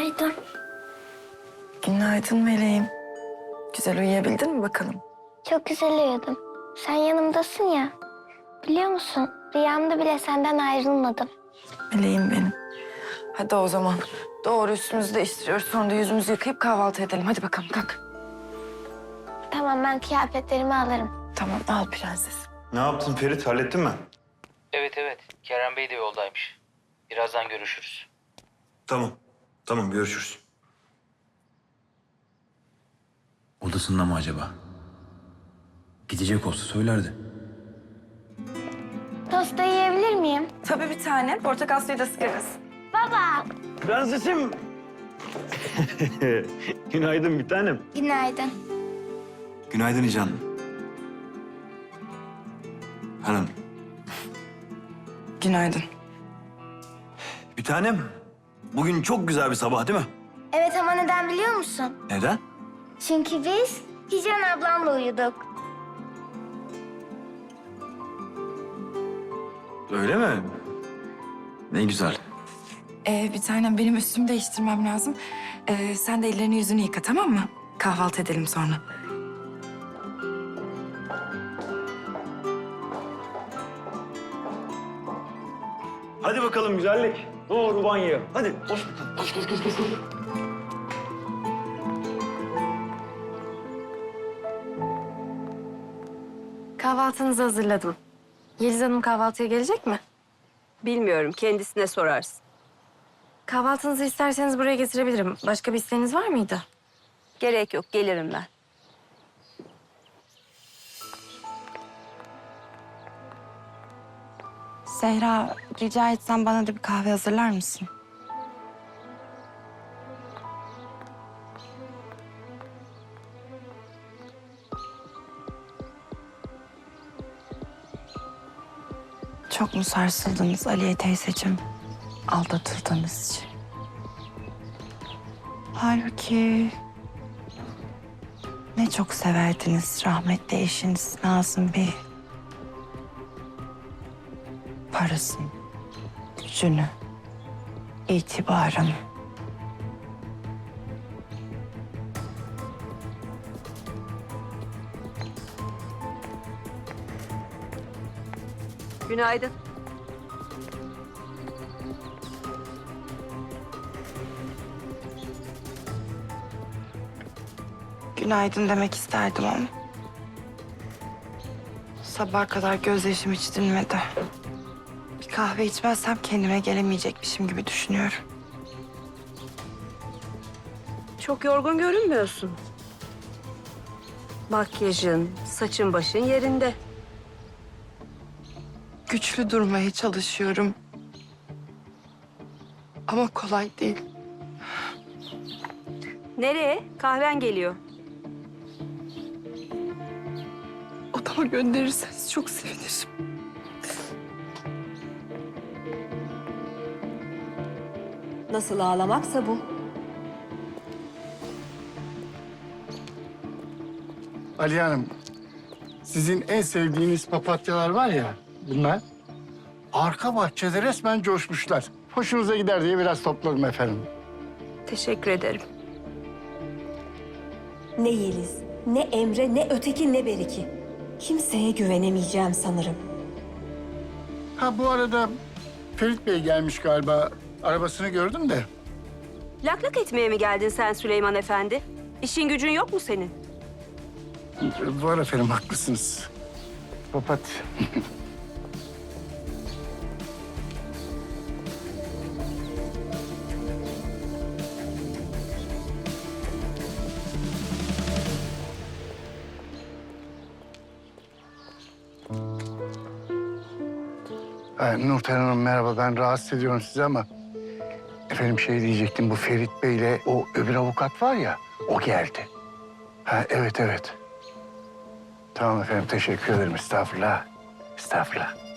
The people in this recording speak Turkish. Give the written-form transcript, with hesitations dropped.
Günaydın. Günaydın meleğim. Güzel uyuyabildin mi bakalım? Çok güzel uyudum. Sen yanımdasın ya. Biliyor musun? Rüyamda bile senden ayrılmadım. Meleğim benim. Hadi o zaman. Doğru üstümüzü değiştiriyoruz. Sonra da yüzümüzü yıkayıp kahvaltı edelim. Hadi bakalım kalk. Tamam, ben kıyafetlerimi alırım. Tamam al prenses. Ne yaptın Ferit? Hallettin mi? Evet evet. Kerem Bey de yoldaymış. Birazdan görüşürüz. Tamam. Tamam görüşürüz. Odasında mı acaba? Gidecek olsa söylerdi. Tosta yiyebilir miyim? Tabii bir tane. Portakal suyu da sıkarız. Baba. Prensesim. Günaydın bir tanem. Günaydın. Günaydın İcan. Hanım. Günaydın. Bir tanem. Bugün çok güzel bir sabah değil mi? Evet ama neden biliyor musun? Neden? Çünkü biz Hicran ablamla uyuduk. Öyle mi? Ne güzel. Bir tanem benim üstümü değiştirmem lazım. Sen de ellerini yüzünü yıka tamam mı? Kahvaltı edelim sonra. Hadi bakalım güzellik. Doğru banyoya. Hadi. Koş bakalım. Koş. Kahvaltınızı hazırladım. Yeliz Hanım kahvaltıya gelecek mi? Bilmiyorum, kendisine sorarsın. Kahvaltınızı isterseniz buraya getirebilirim. Başka bir isteğiniz var mıydı? Gerek yok, gelirim ben. Zehra, rica etsem bana da bir kahve hazırlar mısın? Çok mu sarsıldınız Aliye teyzeciğim? Aldatıldığınız için. Halbuki ne çok severdiniz rahmetli eşiniz Nazım Bey. Parasını, gücünü, itibarını. Günaydın. Günaydın demek isterdim ama sabaha kadar gözyaşım hiç dinmedi. Bir kahve içmezsem kendime gelemeyecekmişim gibi düşünüyorum. Çok yorgun görünmüyorsun. Makyajın, saçın başın yerinde. Güçlü durmaya çalışıyorum. Ama kolay değil. Nereye? Kahven geliyor. Odama gönderirseniz çok sevinirim. Nasıl ağlamaksa bu. Ali Hanım, sizin en sevdiğiniz papatyalar var ya, bunlar. Arka bahçede resmen coşmuşlar. Hoşunuza gider diye biraz topladım efendim. Teşekkür ederim. Ne Yeliz, ne Emre, ne öteki, ne Beriki. Kimseye güvenemeyeceğim sanırım. Ha bu arada Ferit Bey gelmiş galiba. Arabasını gördüm de. Lak etmeye mi geldin sen Süleyman Efendi? İşin gücün yok mu senin? Var efendim, haklısınız. Papatya. Nurten Hanım merhaba, ben rahatsız ediyorum sizi ama... Efendim şey diyecektim, bu Ferit Bey'le o öbür avukat var ya, o geldi. Ha evet. Tamam efendim, teşekkür ederim. Estağfurullah.